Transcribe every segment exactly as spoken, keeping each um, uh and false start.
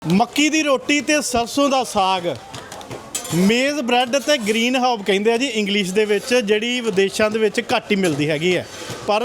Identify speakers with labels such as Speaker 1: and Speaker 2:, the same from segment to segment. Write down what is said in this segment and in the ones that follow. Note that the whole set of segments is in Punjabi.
Speaker 1: मक्की दी रोटी ते सरसों दा साग मेज़ ब्रैड ते ग्रीन हॉब कहंदे आ जी इंग्लिश दे विच जिहड़ी विदेशां दे विच घੱਟ ही मिलदी हैगी है पर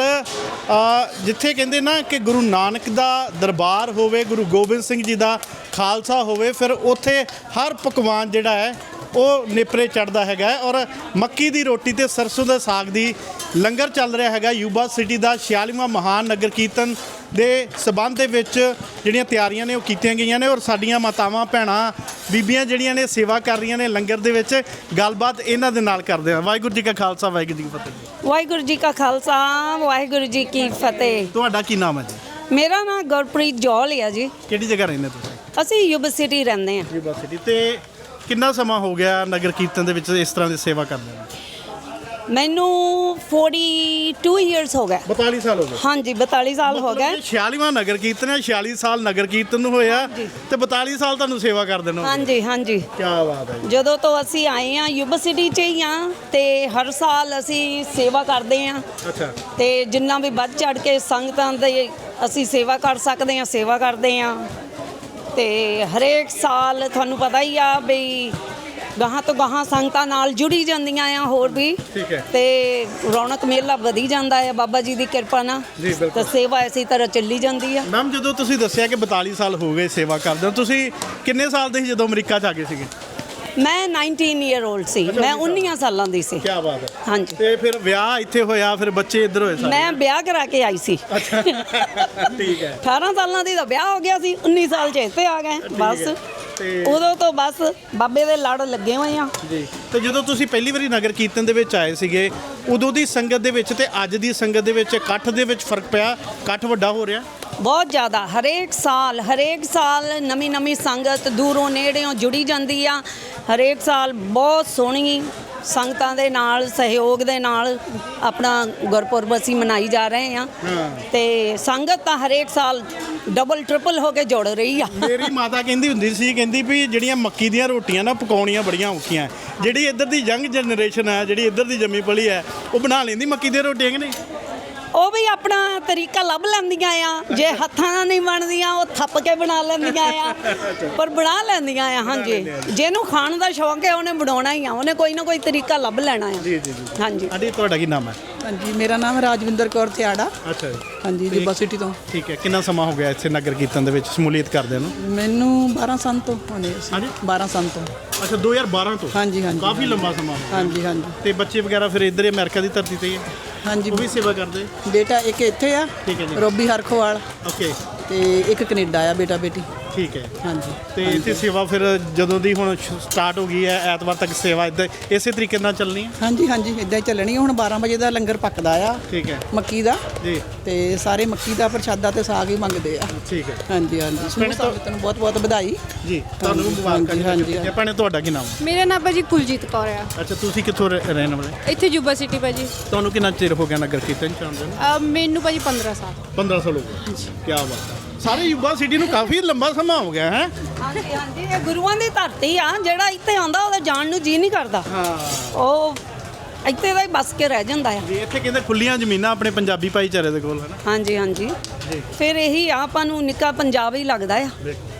Speaker 1: जिथे कहंदे ना कि गुरु नानक दा दरबार होवे गुरु गोबिंद सिंह जी दा खालसा होवे फिर उत्थे हर पकवान जिहड़ा है ਉਹ ਨੇਪਰੇ ਚੜ੍ਹਦਾ ਹੈਗਾ ਔਰ ਮੱਕੀ ਦੀ ਰੋਟੀ ਤੇ ਸਰਸੋਂ ਦੇ ਸਾਗ ਦੀ ਲੰਗਰ ਚੱਲ ਰਿਹਾ ਹੈਗਾ ਯੂਬਾ ਸਿਟੀ ਦਾ ਛਿਆਲੀਵਾਂ ਮਹਾਨ ਨਗਰ ਕੀਰਤਨ ਦੇ ਸਬੰਧ ਦੇ ਵਿੱਚ ਜਿਹੜੀਆਂ ਤਿਆਰੀਆਂ ਨੇ ਉਹ ਕੀਤੀਆਂ ਗਈਆਂ ਨੇ ਔਰ ਸਾਡੀਆਂ ਮਾਤਾਵਾਂ ਭੈਣਾਂ ਬੀਬੀਆਂ ਜਿਹੜੀਆਂ ਨੇ ਸੇਵਾ ਕਰ ਰਹੀਆਂ ਨੇ ਲੰਗਰ ਦੇ ਵਿੱਚ ਗੱਲਬਾਤ ਇਹਨਾਂ ਦੇ ਨਾਲ ਕਰਦੇ ਹਾਂ। ਵਾਹਿਗੁਰੂ ਜੀ ਕਾ ਖਾਲਸਾ ਵਾਹਿਗੁਰੂ ਜੀ ਕੀ ਫਤਿਹ।
Speaker 2: ਵਾਹਿਗੁਰੂ ਜੀ ਕਾ ਖਾਲਸਾ ਵਾਹਿਗੁਰੂ ਜੀ ਕੀ ਫਤਿਹ।
Speaker 1: ਤੁਹਾਡਾ ਕੀ ਨਾਮ ਹੈ ਜੀ?
Speaker 2: ਮੇਰਾ ਨਾਮ ਗੁਰਪ੍ਰੀਤ ਜੌਲ ਹੈ ਜੀ।
Speaker 1: ਕਿਹੜੀ ਜਗ੍ਹਾ ਰਹਿੰਦੇ ਤੁਸੀਂ?
Speaker 2: ਅਸੀਂ ਯੂਬਾ ਸਿਟੀ ਰਹਿੰਦੇ ਹਾਂ।
Speaker 1: ਯੂਬਾ ਸਿਟੀ ਤੇ ਕਿੰਨਾ ਸਮਾਂ ਹੋ ਗਿਆ ਨਗਰ ਕੀਰਤਨ ਦੇ ਵਿੱਚ ਇਸ ਤਰ੍ਹਾਂ ਦੀ ਸੇਵਾ ਕਰਦੇ ਨੂੰ?
Speaker 2: ਮੈਨੂੰ ਬयालीस ਇਅਰਸ ਹੋ ਗਏ।
Speaker 1: ਬयालीस ਸਾਲ ਹੋ ਗਏ।
Speaker 2: ਹਾਂਜੀ ਬयालीस ਸਾਲ ਹੋ ਗਏ।
Speaker 1: ਛਿਆਲੀਵਾਂ ਨਗਰ ਕੀਰਤਨ ਹੈ, ਛਿਆਲੀ ਸਾਲ ਨਗਰ ਕੀਰਤਨ ਨੂੰ ਹੋਇਆ ਤੇ ਬयालीस ਸਾਲ ਤੁਹਾਨੂੰ ਸੇਵਾ ਕਰਦੇ ਨੂੰ?
Speaker 2: ਹਾਂਜੀ ਹਾਂਜੀ।
Speaker 1: ਕੀ ਬਾਤ ਹੈ।
Speaker 2: ਜਦੋਂ ਤੋਂ ਅਸੀਂ ਆਏ ਆ ਯੂਬਾ ਸਿਟੀ 'ਚ ਹੀ ਆ ਤੇ ਹਰ ਸਾਲ ਅਸੀਂ ਸੇਵਾ ਕਰਦੇ ਆ। ਅੱਛਾ। ਤੇ ਜਿੰਨਾ ਵੀ ਵੱਧ ਚੜ ਕੇ ਸੰਗਤਾਂ ਦੇ ਅਸੀਂ ਸੇਵਾ ਕਰ ਸਕਦੇ ਆ ਸੇਵਾ ਕਰਦੇ ਆ ਤੇ ਹਰੇਕ ਸਾਲ ਤੁਹਾਨੂੰ ਪਤਾ ਹੀ ਆ ਵੀ ਗਾਹਾਂ ਤੋਂ ਗਾਹਾਂ ਸੰਗਤਾਂ ਨਾਲ ਜੁੜੀ ਜਾਂਦੀਆਂ ਆ ਹੋਰ ਵੀ। ਠੀਕ ਹੈ। ਤੇ ਰੌਣਕ ਮੇਲਾ ਵਧੀ ਜਾਂਦਾ ਹੈ ਬਾਬਾ ਜੀ ਦੀ ਕਿਰਪਾ ਨਾਲ ਤੇ ਸੇਵਾ ਇਸੇ ਤਰ੍ਹਾਂ ਚੱਲੀ ਜਾਂਦੀ ਆ।
Speaker 1: ਮੈਮ ਜਦੋਂ ਤੁਸੀਂ ਦੱਸਿਆ ਕਿ ਬयालीस ਸਾਲ ਹੋ ਗਏ ਸੇਵਾ ਕਰਦੇ ਹੋ ਤੁਸੀਂ ਕਿੰਨੇ ਸਾਲ ਦੇ ਸੀ ਜਦੋਂ ਅਮਰੀਕਾ 'ਚ ਆ ਗਏ ਸੀਗੇ?
Speaker 2: ਮੈਂ उन्नीस ਈਅਰ 올ਡ ਸੀ। ਮੈਂ उन्नीस ਸਾਲਾਂ ਦੀ ਸੀ।
Speaker 1: ਕੀ ਬਾਤ ਹੈ।
Speaker 2: ਹਾਂਜੀ।
Speaker 1: ਤੇ ਫਿਰ ਵਿਆਹ ਇੱਥੇ ਹੋਇਆ ਫਿਰ ਬੱਚੇ ਇੱਧਰ ਹੋਏ ਸਾਰੇ?
Speaker 2: ਮੈਂ ਵਿਆਹ ਕਰਾ ਕੇ ਆਈ ਸੀ।
Speaker 1: ਅੱਛਾ ਠੀਕ ਹੈ।
Speaker 2: ਅਠਾਰਾਂ ਸਾਲਾਂ ਦੀ ਤਾਂ ਵਿਆਹ ਹੋ ਗਿਆ ਸੀ उन्नीस ਸਾਲ 'ਚ ਇੱਥੇ ਆ ਗਏ ਬਸ। ਉਦੋਂ ਤੋਂ ਬਸ ਬਾਬੇ ਦੇ ਲੜ ਲੱਗੇ ਹੋਏ ਆ
Speaker 1: ਜੀ। ਤੇ ਜਦੋਂ ਤੁਸੀਂ ਪਹਿਲੀ ਵਾਰੀ ਨਗਰ ਕੀਰਤਨ ਦੇ ਵਿੱਚ ਆਏ ਸੀਗੇ ਉਦੋਂ ਦੀ ਸੰਗਤ ਦੇ ਵਿੱਚ ਤੇ ਅੱਜ ਦੀ ਸੰਗਤ ਦੇ ਵਿੱਚ ਇਕੱਠ ਦੇ ਵਿੱਚ ਫਰਕ ਪਿਆ? ਇਕੱਠ ਵੱਡਾ ਹੋ ਰਿਹਾ?
Speaker 2: ਬਹੁਤ ਜ਼ਿਆਦਾ। ਹਰੇਕ ਸਾਲ ਹਰੇਕ ਸਾਲ ਨਵੀਂ ਨਵੀਂ ਸੰਗਤ ਦੂਰੋਂ ਨੇੜਿਓਂ ਜੁੜੀ ਜਾਂਦੀ ਆ। ਹਰੇਕ ਸਾਲ ਬਹੁਤ ਸੋਹਣੀ ਸੰਗਤਾਂ ਦੇ ਨਾਲ ਸਹਿਯੋਗ ਦੇ ਨਾਲ ਆਪਣਾ ਗੁਰਪੁਰਬ ਅਸੀਂ ਮਨਾਈ ਜਾ ਰਹੇ ਆ ਤੇ ਸੰਗਤ ਤਾਂ ਹਰੇਕ ਸਾਲ ਡਬਲ ਟ੍ਰਿਪਲ ਹੋ ਕੇ ਜੁੜ ਰਹੀ ਆ।
Speaker 1: ਮੇਰੀ ਮਾਤਾ ਕਹਿੰਦੀ ਹੁੰਦੀ ਸੀ ਕਹਿੰਦੀ ਵੀ ਜਿਹੜੀਆਂ ਮੱਕੀ ਦੀਆਂ ਰੋਟੀਆਂ ਨਾ ਪਕਾਉਣੀਆਂ ਬੜੀਆਂ ਔਖੀਆਂ। ਜਿਹੜੀ ਇੱਧਰ ਦੀ ਯੰਗ ਜਨਰੇਸ਼ਨ ਹੈ ਜਿਹੜੀ ਇੱਧਰ ਦੀ ਜੰਮੀ ਪਲੀ ਹੈ ਉਹ ਬਣਾ ਲੈਂਦੀ ਮੱਕੀ ਦੀਆਂ ਰੋਟੀਆਂ ਕਿ ਨਹੀਂ?
Speaker 2: ਉਹ ਵੀ ਆਪਣਾ ਤਰੀਕਾ ਲੱਭ ਲੈਂਦੀਆਂ ਆ। ਜੇ ਹੱਥਾਂ ਨਾਲ ਨਹੀਂ ਬਣਦੀਆਂ ਉਹ ਥੱਪ ਕੇ ਬਣਾ ਲੈਂਦੀਆਂ ਆ ਪਰ ਬਣਾ ਲੈਂਦੀਆਂ ਆ। ਹਾਂਜੀ। ਜਿਹਨੂੰ ਖਾਣ ਦਾ ਸ਼ੌਂਕ ਹੈ ਉਹਨੇ ਬਣਾਉਣਾ ਹੀ ਆ। ਉਹਨੇ ਕੋਈ ਨਾ ਕੋਈ ਤਰੀਕਾ ਲੱਭ ਲੈਣਾ ਆ।
Speaker 1: ਜੀ ਜੀ ਜੀ।
Speaker 2: ਹਾਂਜੀ।
Speaker 1: ਆਂਟੀ ਤੁਹਾਡਾ ਕੀ ਨਾਮ ਹੈ?
Speaker 3: ਹਾਂਜੀ ਮੇਰਾ ਨਾਮ ਰਾਜਵਿੰਦਰ ਕੌਰ ਥਿਆੜਾ।
Speaker 1: ਅੱਛਾ ਜੀ।
Speaker 3: ਹਾਂਜੀ ਯੂਬਾ ਸਿਟੀ ਤੋਂ।
Speaker 1: ਠੀਕ ਹੈ। ਕਿੰਨਾ ਸਮਾਂ ਹੋ ਗਿਆ ਇੱਥੇ ਨਗਰ ਕੀਰਤਨ ਦੇ ਵਿੱਚ ਸ਼ਮੂਲੀਅਤ ਕਰਦੇ ਨੂੰ?
Speaker 3: ਮੈਨੂੰ ਬਾਰਾਂ ਸਾਲ ਤੋਂ ਹੋਣੇ ਸੀ।
Speaker 1: ਹਾਂਜੀ
Speaker 3: ਬਾਰਾਂ ਸਾਲ ਤੋਂ।
Speaker 1: ਅੱਛਾ ਦੋ ਹਜ਼ਾਰ ਬਾਰਾਂ ਤੋਂ?
Speaker 3: ਹਾਂਜੀ ਹਾਂਜੀ।
Speaker 1: ਕਾਫੀ ਲੰਬਾ ਸਮਾਂ ਹੋ ਗਿਆ।
Speaker 3: ਹਾਂਜੀ ਹਾਂਜੀ।
Speaker 1: ਤੇ ਬੱਚੇ ਵਗੈਰਾ ਫਿਰ ਇੱਧਰ ਅਮਰੀਕਾ ਦੀ ਧਰਤੀ ਤੇ ਹੀ ਹੈ?
Speaker 3: ਹਾਂਜੀ
Speaker 1: ਉਹ ਵੀ ਸੇਵਾ ਕਰਦੇ?
Speaker 3: ਬੇਟਾ ਇੱਕ ਇੱਥੇ ਆ।
Speaker 1: ਠੀਕ ਹੈ ਜੀ।
Speaker 3: ਰੋਬੀ ਹਰਖੋਵਾਲ।
Speaker 1: ਓਕੇ।
Speaker 3: ਤੇ ਇੱਕ ਕੈਨੇਡਾ ਆ ਬੇਟਾ ਬੇਟੀ।
Speaker 1: ਠੀਕ ਹੈ।
Speaker 3: ਹਾਂਜੀ।
Speaker 1: ਤੇ ਇੱਥੇ ਸੇਵਾ ਫਿਰ ਜਦੋਂ ਦੀ ਹੁਣ ਸਟਾਰਟ ਹੋ ਗਈ ਹੈ ਐਤਵਾਰ ਤੱਕ ਸੇਵਾ ਇੱਦਾਂ ਇਸੇ ਤਰੀਕੇ ਨਾਲ ਚੱਲਣੀ ਹੈ?
Speaker 3: ਹਾਂਜੀ ਹਾਂਜੀ ਇੱਦਾਂ ਹੀ ਚੱਲਣੀ। ਹੁਣ ਬਾਰਾਂ ਵਜੇ ਦਾ ਲੰਗਰ ਪੱਕਦਾ ਆ। ਠੀਕ ਹੈ। ਮੱਕੀ ਦਾ
Speaker 1: ਜੀ।
Speaker 3: ਤੇ ਸਾਰੇ ਮੱਕੀ ਦਾ ਪ੍ਰਸ਼ਾਦਾ ਤੇ ਸਾਗ ਹੀ ਮੰਗਦੇ ਆ। ਠੀਕ ਹੈ। ਹਾਂਜੀ ਹਾਂਜੀ। ਸਮੂਹ ਸੰਗਤ ਨੂੰ ਬਹੁਤ ਬਹੁਤ ਵਧਾਈ ਜੀ। ਤੁਹਾਨੂੰ ਮੁਬਾਰਕਾਂ।
Speaker 1: ਹਾਂਜੀ। ਭੈਣੇ ਤੁਹਾਡਾ ਕੀ ਨਾਮ ਹੈ?
Speaker 4: ਮੇਰਾ ਨਾਮ ਭਾਜੀ ਕੁਲਜੀਤ ਕੌਰ ਆ।
Speaker 1: ਅੱਛਾ ਤੁਸੀਂ ਕਿੱਥੋਂ ਰਹਿ- ਰਹਿਣ ਵਾਲੇ?
Speaker 4: ਇੱਥੇ ਯੂਬਾ ਸਿਟੀ ਭਾਜੀ।
Speaker 1: ਤੁਹਾਨੂੰ ਕਿੰਨਾ ਚਿਰ ਹੋ ਗਿਆ ਨਗਰ ਕੀਰਤਨ ਚ ਆਉਂਦੇ ਨੂੰ?
Speaker 4: ਅਹ ਮੈਨੂੰ ਭਾਜੀ ਪੰਦਰਾਂ ਸਾਲ।
Speaker 1: ਪੰਦਰਾਂ ਸਾਲ ਹੋ ਗਏ। ਕੀ ਬਾਤ ਹੈ। ਸਾਰੇ ਯੂਬਾ ਸਿਟੀ ਨੂੰ ਕਾਫੀ ਲੰਬਾ ਸਮਾਂ ਹੋ ਗਿਆ ਹੈ।
Speaker 2: ਹਾਂਜੀ ਹਾਂਜੀ। ਇਹ ਗੁਰੂਆਂ ਦੀ ਧਰਤੀ ਆ। ਜਿਹੜਾ ਇੱਥੇ ਆਉਂਦਾ ਉਹਦਾ ਜਾਣ ਨੂੰ ਜੀ ਨਹੀਂ ਕਰਦਾ।
Speaker 1: ਹਾਂ।
Speaker 2: ਉਹ ਇੱਥੇ ਦਾ ਹੀ ਬਸ ਕੇ ਰਹਿ ਜਾਂਦਾ ਆ।
Speaker 1: ਜੀ ਇੱਥੇ ਕਹਿੰਦੇ ਖੁੱਲੀਆਂ ਜ਼ਮੀਨਾਂ ਆਪਣੇ ਪੰਜਾਬੀ ਭਾਈਚਾਰੇ ਦੇ ਕੋਲ ਹੈ ਨਾ?
Speaker 2: ਹਾਂਜੀ ਹਾਂਜੀ। ਫਿਰ ਇਹੀ ਆ ਆਪਾਂ ਨੂੰ ਨਿੱਕਾ ਪੰਜਾਬ ਹੀ ਲੱਗਦਾ ਆ।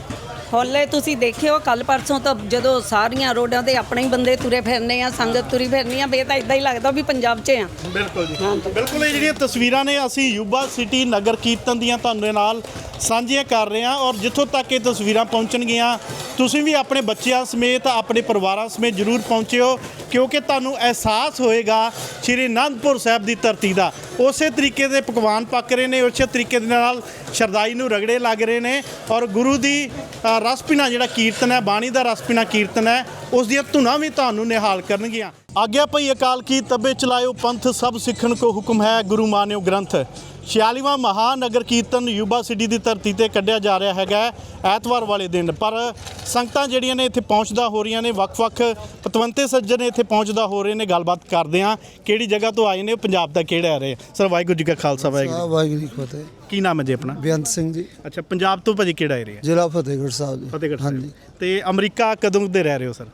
Speaker 2: ਹੋਲੇ ਤੁਸੀਂ ਦੇਖਿਓ ਕੱਲ ਪਰਸੋਂ ਤਾਂ ਜਦੋਂ ਸਾਰੀਆਂ ਰੋਡਾਂ ਤੇ ਆਪਣੇ ਹੀ ਬੰਦੇ ਤੁਰੇ ਫਿਰਨੇ ਆ ਸੰਗਤ ਤੁਰੀ ਫਿਰਨੀ ਆ ਬੇ ਤਾਂ ਇਦਾਂ ਹੀ ਲੱਗਦਾ ਵੀ ਪੰਜਾਬ 'ਚ ਆ।
Speaker 1: ਬਿਲਕੁਲ ਜੀ। ਬਿਲਕੁਲ ਇਹ ਜਿਹੜੀਆਂ ਤਸਵੀਰਾਂ ਨੇ ਅਸੀਂ ਯੂਬਾ ਸਿਟੀ ਨਗਰ ਕੀਰਤਨ ਦੀਆਂ ਤੁਹਾਨੂੰ ਨਾਲ ਸਾਂਝੀਆਂ ਕਰ ਰਹੇ ਹਾਂ ਔਰ ਜਿੱਥੋਂ ਤੱਕ ਇਹ ਤਸਵੀਰਾਂ ਪਹੁੰਚਣਗੀਆਂ ਤੁਸੀਂ ਵੀ ਆਪਣੇ ਬੱਚਿਆਂ ਸਮੇਤ ਆਪਣੇ ਪਰਿਵਾਰਾਂ ਸਮੇਤ ਜ਼ਰੂਰ ਪਹੁੰਚਿਓ ਕਿਉਂਕਿ ਤੁਹਾਨੂੰ ਅਹਿਸਾਸ ਹੋਏਗਾ ਸ਼੍ਰੀ ਅਨੰਦਪੁਰ ਸਾਹਿਬ ਦੀ ਧਰਤੀ ਦਾ। ਉਸੇ ਤਰੀਕੇ ਦੇ ਪਕਵਾਨ ਪੱਕ ਰਹੇ ਨੇ ਉਸੇ ਤਰੀਕੇ ਦੇ ਨਾਲ ਸ਼ਰਦਾਈ ਨੂੰ ਰਗੜੇ ਲੱਗ ਰਹੇ ਨੇ ਔਰ ਗੁਰੂ ਦੀ ਰਸ ਪੀਣਾ ਜਿਹੜਾ ਕੀਰਤਨ ਹੈ ਬਾਣੀ ਦਾ ਰਸ ਪੀਣਾ ਕੀਰਤਨ ਹੈ ਉਸ ਦੀਆਂ ਧੁਨਾਂ ਵੀ ਤੁਹਾਨੂੰ ਨਿਹਾਲ ਕਰਨਗੀਆਂ। ਆਗਿਆ ਭਈ ਅਕਾਲ ਕੀ ਤਬੇ ਚਲਾਇਓ ਪੰਥ ਸਭ ਸਿੱਖਣ ਕੋ ਹੁਕਮ ਹੈ ਗੁਰੂ ਮਾਨਿਓ ਗ੍ਰੰਥ। ਛਿਆਲੀਵਾਂ ਮਹਾਨਗਰ ਕੀਰਤਨ ਯੂਬਾ ਸਿਟੀ ਦੀ ਧਰਤੀ ਤੇ ਕੱਢਿਆ ਜਾ ਰਿਹਾ ਹੈਗਾ ਐਤਵਾਰ ਵਾਲੇ ਦਿਨ ਪਰ ਸੰਗਤਾਂ ਜਿਹੜੀਆਂ ਨੇ ਇੱਥੇ ਪਹੁੰਚਦਾ ਹੋ ਰਹੀਆਂ ਨੇ ਵੱਖ-ਵੱਖ ਪਤਵੰਤੇ ਸੱਜਣ ਇੱਥੇ ਪਹੁੰਚਦਾ ਹੋ ਰਹੇ ਨੇ। ਗੱਲਬਾਤ ਕਰਦੇ ਹਾਂ ਕਿਹੜੀ ਜਗ੍ਹਾ ਤੋਂ ਆਏ ਨੇ ਪੰਜਾਬ ਦਾ ਕਿਹੜਾ ਆ ਰਹੇ ਸਰ? ਵਾਹਿਗੁਰੂ ਜੀ ਕਾ ਖਾਲਸਾ ਵਾਹਿਗੁਰੂ
Speaker 5: ਵਾਹਿਗੁਰੂ ਜੀ ਕੀ ਫਤਿਹ।
Speaker 1: ਕੀ ਨਾਮ ਹੈ ਜੀ ਆਪਣਾ?
Speaker 5: ਬੇਅੰਤ ਸਿੰਘ ਜੀ।
Speaker 1: ਅੱਛਾ ਪੰਜਾਬ ਤੋਂ ਭਾਜੀ ਕਿਹੜਾ ਏਰੀਆ?
Speaker 5: ਜ਼ਿਲ੍ਹਾ ਫਤਿਹਗੜ੍ਹ ਸਾਹਿਬ ਜੀ।
Speaker 1: ਫਤਿਹਗੜ੍ਹ
Speaker 5: ਹਾਂਜੀ।
Speaker 1: ਤੇ ਅਮਰੀਕਾ ਕਦੋਂ ਦੇ ਰਹਿ ਰਹੇ ਹੋ ਸਰ?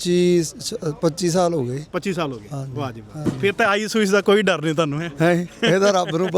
Speaker 5: ਪੱਚੀ ਪੱਚੀ ਸਾਲ ਹੋ ਗਏ।
Speaker 1: ਪੱਚੀ ਸਾਲ ਹੋ ਗਏ। ਵਾਹ ਜੀ ਵਾਹ। ਫਿਰ ਤਾਂ ਆਈ ਸੂਈਸ ਦਾ ਕੋਈ ਡਰ ਨਹੀਂ ਤੁਹਾਨੂੰ ਹੈ?
Speaker 5: ਹੈ ਇਹਦਾ ਰੱਬ ਨੂੰ ਪਤਾ ਹੋਣਾ।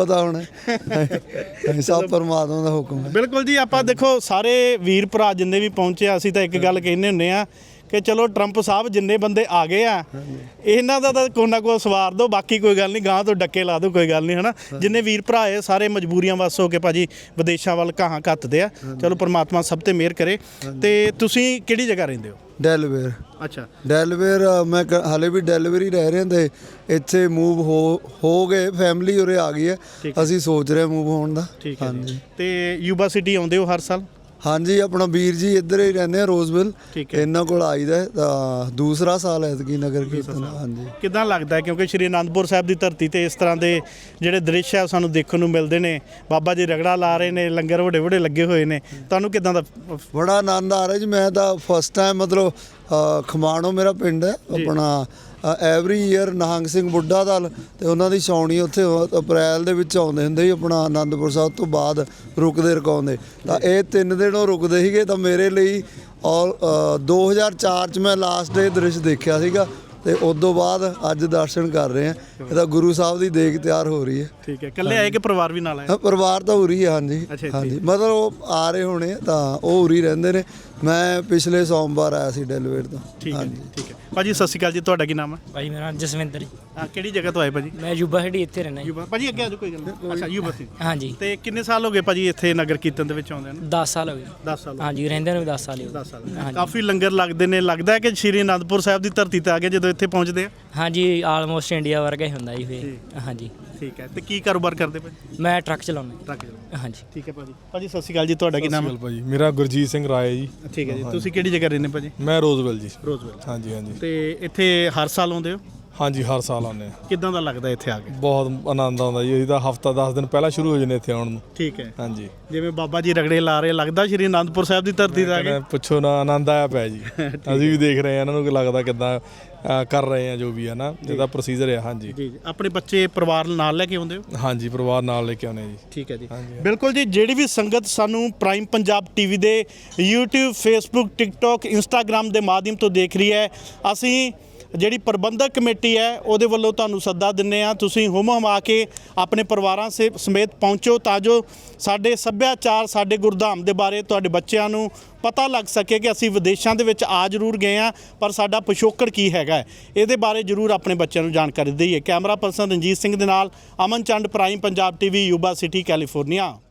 Speaker 5: ਹੈ ਸਭ ਪਰਮਾਤਮਾ ਦਾ ਹੁਕਮ ਹੈ।
Speaker 1: ਬਿਲਕੁਲ ਜੀ, ਆਪਾਂ ਦੇਖੋ ਸਾਰੇ ਵੀਰ ਭਰਾ ਜਿੰਨੇ ਵੀ ਪਹੁੰਚੇ ਆ, ਅਸੀਂ ਤਾਂ ਇੱਕ ਗੱਲ ਕਹਿੰਦੇ ਹੁੰਦੇ ਆ ਕਿ ਚਲੋ ਟਰੰਪ ਸਾਹਿਬ ਜਿੰਨੇ ਬੰਦੇ ਆ ਗਏ ਆ ਇਹਨਾਂ ਦਾ ਤਾਂ ਕੋਈ ਨਾ ਕੋਈ ਸਵਾਰ ਦਿਓ, ਬਾਕੀ ਕੋਈ ਗੱਲ ਨਹੀਂ, ਗਾਂ ਤੋਂ ਡੱਕੇ ਲਾ ਦਿਓ, ਕੋਈ ਗੱਲ ਨਹੀਂ, ਹਨਾ। ਜਿੰਨੇ ਵੀਰ ਭਰਾ ਆਏ ਸਾਰੇ ਮਜਬੂਰੀਆਂ ਵੱਸ ਹੋ ਕੇ ਭਾਜੀ ਵਿਦੇਸ਼ਾਂ ਵੱਲ ਕਹਾਂ ਘੱਤਦੇ ਆ। ਚਲੋ ਪਰਮਾਤਮਾ ਸਭ ਤੇ ਮਿਹਰ ਕਰੇ। ਤੇ ਤੁਸੀਂ ਕਿਹੜੀ ਜਗ੍ਹਾ ਰਹਿੰਦੇ ਹੋ?
Speaker 5: ਡੈਲਵੇਅਰ।
Speaker 1: ਅੱਛਾ,
Speaker 5: ਡੈਲਵੇਅਰ ਮੈਂ ਕ- ਹਾਲੇ ਵੀ ਡੈਲਵੇਅਰ ਹੀ ਰਹਿ ਰਹੇ ਤੇ ਇੱਥੇ ਮੂਵ ਹੋ ਹੋ ਗਏ, ਫੈਮਿਲੀ ਉਰੇ ਆ ਗਈ ਹੈ, ਅਸੀਂ ਸੋਚ ਰਹੇ ਮੂਵ ਹੋਣ ਦਾ।
Speaker 1: ਠੀਕ ਹੈ ਜੀ। ਤੇ ਯੂਬਾ ਸਿਟੀ ਆਉਂਦੇ ਹੋ ਹਰ ਸਾਲ?
Speaker 5: ਹਾਂਜੀ, ਆਪਣਾ ਵੀਰ ਜੀ ਇੱਧਰ ਹੀ ਰਹਿੰਦੇ ਆ ਰੋਜ਼ਵਿਲ,
Speaker 1: ਠੀਕ ਹੈ।
Speaker 5: ਇਹਨਾਂ ਕੋਲ ਆਈਦਾ ਹੈ, ਤਾਂ ਦੂਸਰਾ ਸਾਲ ਐਤਕੀ ਨਗਰ ਕੀਰਤਨ। ਹਾਂਜੀ,
Speaker 1: ਕਿੱਦਾਂ ਲੱਗਦਾ ਹੈ, ਕਿਉਂਕਿ ਸ਼੍ਰੀ ਅਨੰਦਪੁਰ ਸਾਹਿਬ ਦੀ ਧਰਤੀ ਤੇ ਇਸ ਤਰ੍ਹਾਂ ਦੇ ਜਿਹੜੇ ਦ੍ਰਿਸ਼ ਆ ਸਾਨੂੰ ਦੇਖਣ ਨੂੰ ਮਿਲਦੇ ਨੇ, ਬਾਬਾ ਜੀ ਰਗੜਾ ਲਾ ਰਹੇ ਨੇ, ਲੰਗਰ ਵੱਡੇ ਵੱਡੇ ਲੱਗੇ ਹੋਏ ਨੇ, ਤੁਹਾਨੂੰ ਕਿੱਦਾਂ ਦਾ?
Speaker 5: ਬੜਾ ਆਨੰਦ ਆ ਰਿਹਾ ਜੀ। ਮੈਂ ਤਾਂ ਫਸਟ ਟਾਈਮ ਮਤਲਬ ਅ, ਖਮਾਣੋ ਮੇਰਾ ਪਿੰਡ ਹੈ ਆਪਣਾ, ਐਵਰੀ ਈਅਰ ਨਿਹੰਗ ਸਿੰਘ ਬੁੱਢਾ ਦਲ ਤੇ ਉਹਨਾਂ ਦੀ ਛਾਉਣੀ ਉੱਥੇ ਅਪ੍ਰੈਲ ਦੇ ਵਿੱਚ ਆਉਂਦੇ ਹੁੰਦੇ ਸੀ ਆਪਣਾ ਆਨੰਦਪੁਰ ਸਾਹਿਬ ਤੋਂ ਬਾਅਦ ਰੁਕਦੇ ਰਕਾਉਂਦੇ, ਤਾਂ ਇਹ ਤਿੰਨ ਦਿਨ ਉਹ ਰੁਕਦੇ ਸੀਗੇ। ਤਾਂ ਮੇਰੇ ਲਈ ਔਰ ਦੋ ਹਜ਼ਾਰ ਚਾਰ 'ਚ ਮੈਂ ਲਾਸਟ ਡੇ ਦ੍ਰਿਸ਼ ਦੇਖਿਆ ਸੀਗਾ ਤੇ ਉਸ ਤੋਂ ਬਾਅਦ ਅੱਜ ਦਰਸ਼ਨ ਕਰ ਰਹੇ ਹਾਂ। ਇਹ ਤਾਂ ਗੁਰੂ ਸਾਹਿਬ ਦੀ ਦੇਗ ਤਿਆਰ ਹੋ ਰਹੀ ਹੈ।
Speaker 1: ਠੀਕ ਹੈ, ਇਕੱਲੇ ਆਏ ਕਿ ਪਰਿਵਾਰ ਵੀ ਨਾਲ ਆਏ?
Speaker 5: ਹਾਂ, ਪਰਿਵਾਰ ਤਾਂ ਉਰੀ ਹੈ। ਹਾਂਜੀ ਹਾਂਜੀ, ਮਤਲਬ ਉਹ ਆ ਰਹੇ ਹੋਣੇ ਆ, ਤਾਂ ਉਹ ਉਰੀ ਰਹਿੰਦੇ ਨੇ। ਮੈਂ ਪਿਛਲੇ ਸੋਮਵਾਰ ਆਇਆ ਸੀ ਡੈਲਵੇਅਰ ਤੋਂ।
Speaker 1: ਠੀਕ ਹੈ ਜੀ, ਠੀਕ ਹੈ। ਭਾਜੀ ਸਤਿ ਸ਼੍ਰੀ ਅਕਾਲ ਜੀ, ਤੁਹਾਡਾ ਕੀ ਨਾਮ ਹੈ?
Speaker 6: ਭਾਜੀ ਮੇਰਾ ਨਾਮ ਜਸਵਿੰਦਰ ਜੀ।
Speaker 1: ਹਾਂ, ਕਿਹੜੀ ਜਗ੍ਹਾ ਤੋਂ ਆਏ ਭਾਜੀ?
Speaker 6: ਮੈਂ ਯੂਬਾ ਸਿਟੀ ਇੱਥੇ ਰਹਿਣਾ ਜੀ।
Speaker 1: ਯੂਬਾ ਭਾਜੀ, ਅੱਗੇ ਆ ਜਾਓ, ਕੋਈ ਗੱਲ ਨਹੀਂ। ਅੱਛਾ, ਯੂਬਾ ਸੀ।
Speaker 6: ਹਾਂਜੀ,
Speaker 1: ਤੇ ਕਿੰਨੇ ਸਾਲ ਹੋ ਗਏ ਭਾਜੀ ਇੱਥੇ ਨਗਰ ਕੀਰਤਨ ਦੇ ਵਿੱਚ ਆਉਂਦੇ ਨੂੰ?
Speaker 6: ਦਸ ਸਾਲ ਹੋ ਗਏ।
Speaker 1: ਦਸ ਸਾਲ।
Speaker 6: ਹਾਂਜੀ, ਰਹਿੰਦੇ ਨੂੰ ਵੀ ਦਸ ਸਾਲ ਹੀ ਹੋ
Speaker 1: ਦਸ ਸਾਲ।
Speaker 6: ਗਏ। ਹਾਂਜੀ
Speaker 1: ਕਾਫੀ ਲੰਗਰ ਲੱਗਦੇ ਨੇ, ਲੱਗਦਾ ਹੈ ਕਿ ਸ਼੍ਰੀ ਅਨੰਦਪੁਰ ਸਾਹਿਬ ਦੀ ਧਰਤੀ ਤੇ ਆ ਕੇ ਜਦੋਂ ਇੱਥੇ ਪਹੁੰਚਦੇ ਆ?
Speaker 6: ਹਾਂਜੀ, ਆਲਮੋਸਟ ਇੰਡੀਆ ਵਰਗਾ ਹੀ ਹੁੰਦਾ ਜੀ ਫਿਰ। ਹਾਂਜੀ,
Speaker 1: ਠੀਕ ਹੈ। ਤੇ ਕੀ ਕਾਰੋਬਾਰ ਕਰਦੇ ਭਾਜੀ?
Speaker 6: ਮੈਂ ਟਰੱਕ ਚਲਾਉਂਦਾ।
Speaker 1: ਟਰੱਕ ਚਲਾਉਂਦੇ।
Speaker 6: ਹਾਂਜੀ,
Speaker 1: ਠੀਕ ਹੈ ਭਾਜੀ। ਭਾਜੀ ਸਤਿ ਸ਼੍ਰੀ ਅਕਾਲ ਜੀ, ਤੁਹਾਡਾ ਕੀ ਨਾਮ ਹੈ?
Speaker 7: ਭਾਜੀ ਮੇਰਾ ਗੁਰਜੀਤ ਸਿੰਘ ਰਾਏ ਜੀ।
Speaker 1: ਠੀਕ ਹੈ ਜੀ। ਤੁਸੀਂ ਕਿਹੜੀ ਜਗ੍ਹਾ ਰਹਿੰਦੇ ਭਾਜੀ?
Speaker 7: ਮੈਂ ਰੋਜ਼ਵਿਲ ਜੀ।
Speaker 1: ਰੋਜ਼ਵਿਲ।
Speaker 7: ਹਾਂਜੀ ਹਾਂਜੀ
Speaker 1: ਤੇ ਇੱਥੇ ਹਰ ਸਾਲ ਆਉਂਦੇ ਹੋ?
Speaker 7: ਹਾਂਜੀ, ਹਰ ਸਾਲ ਆਉਂਦੇ ਆ।
Speaker 1: ਕਿੱਦਾਂ ਦਾ ਲੱਗਦਾ ਇੱਥੇ ਆ ਕੇ?
Speaker 7: ਬਹੁਤ ਆਨੰਦ ਆਉਂਦਾ ਜੀ। ਅਸੀਂ ਤਾਂ ਹਫਤਾ ਦਸ ਦਿਨ ਪਹਿਲਾਂ ਸ਼ੁਰੂ ਹੋ ਜਾਂਦੇ ਇੱਥੇ ਆਉਣ ਨੂੰ।
Speaker 1: ਠੀਕ ਹੈ।
Speaker 7: ਹਾਂਜੀ,
Speaker 1: ਜਿਵੇਂ ਬਾਬਾ ਜੀ ਰਗੜੇ ਲਾ ਰਹੇ, ਲੱਗਦਾ ਸ਼੍ਰੀ ਅਨੰਦਪੁਰ ਸਾਹਿਬ ਦੀ ਧਰਤੀ ਤੇ ਆ ਕੇ?
Speaker 7: ਕਹਿੰਦੇ ਪੁੱਛੋ ਨਾ, ਆਨੰਦ ਆਇਆ ਪਿਆ ਜੀ। ਅਸੀਂ ਵੀ ਦੇਖ ਰਹੇ ਹਾਂ ਇਹਨਾਂ ਨੂੰ, ਕਿ ਲੱਗਦਾ ਕਿੱਦਾਂ ਅ, ਕਰ ਰਹੇ ਆ ਜੋ ਵੀ ਹੈ ਨਾ, ਜਿਹਦਾ ਪ੍ਰੋਸੀਜਰ ਹੈ। ਹਾਂਜੀ
Speaker 1: ਜੀ ਜੀ। ਆਪਣੇ ਬੱਚੇ ਪਰਿਵਾਰ ਨਾਲ ਲੈ ਕੇ ਆਉਂਦੇ ਹੋ?
Speaker 7: ਹਾਂਜੀ, ਪਰਿਵਾਰ ਨਾਲ ਲੈ ਕੇ ਆਉਂਦੇ ਜੀ।
Speaker 1: ਠੀਕ ਹੈ ਜੀ।
Speaker 7: ਹਾਂਜੀ।
Speaker 1: ਬਿਲਕੁਲ ਜੀ, ਜਿਹੜੀ ਵੀ ਸੰਗਤ ਸਾਨੂੰ ਪ੍ਰਾਈਮ ਪੰਜਾਬ ਟੀਵੀ ਦੇ YouTube, Facebook, TikTok, Instagram ਦੇ ਮਾਧਿਅਮ ਤੋਂ ਦੇਖ ਰਹੀ ਹੈ, ਅਸੀਂ ਜਿਹੜੀ ਪ੍ਰਬੰਧਕ ਕਮੇਟੀ ਹੈ ਉਹਦੇ ਵੱਲੋਂ ਤੁਹਾਨੂੰ ਸੱਦਾ ਦਿੰਦੇ ਆ, ਤੁਸੀਂ ਹੁਮ ਹੁਮਾ ਕੇ ਆਪਣੇ ਪਰਿਵਾਰਾਂ ਸੇ ਸਮੇਤ ਪਹੁੰਚੋ, ਤਾਂ ਜੋ ਸਾਡੇ ਸੱਭਿਆਚਾਰ, ਸਾਡੇ ਗੁਰਧਾਮ ਦੇ ਬਾਰੇ ਤੁਹਾਡੇ ਬੱਚਿਆਂ ਨੂੰ ਪਤਾ ਲੱਗ ਸਕੇ ਕਿ ਅਸੀਂ ਵਿਦੇਸ਼ਾਂ ਦੇ ਵਿੱਚ ਆ ਜ਼ਰੂਰ ਗਏ ਆ, ਪਰ ਸਾਡਾ ਪਿਛੋਕੜ ਕੀ ਹੈਗਾ, ਇਹਦੇ ਬਾਰੇ ਜ਼ਰੂਰ ਆਪਣੇ ਬੱਚਿਆਂ ਨੂੰ ਜਾਣਕਾਰੀ ਦਈਏ। ਕੈਮਰਾ ਪਰਸਨ ਰਣਜੀਤ ਸਿੰਘ ਦੇ ਨਾਲ Aman Chand, prime Punjab TV, Yuba City, California.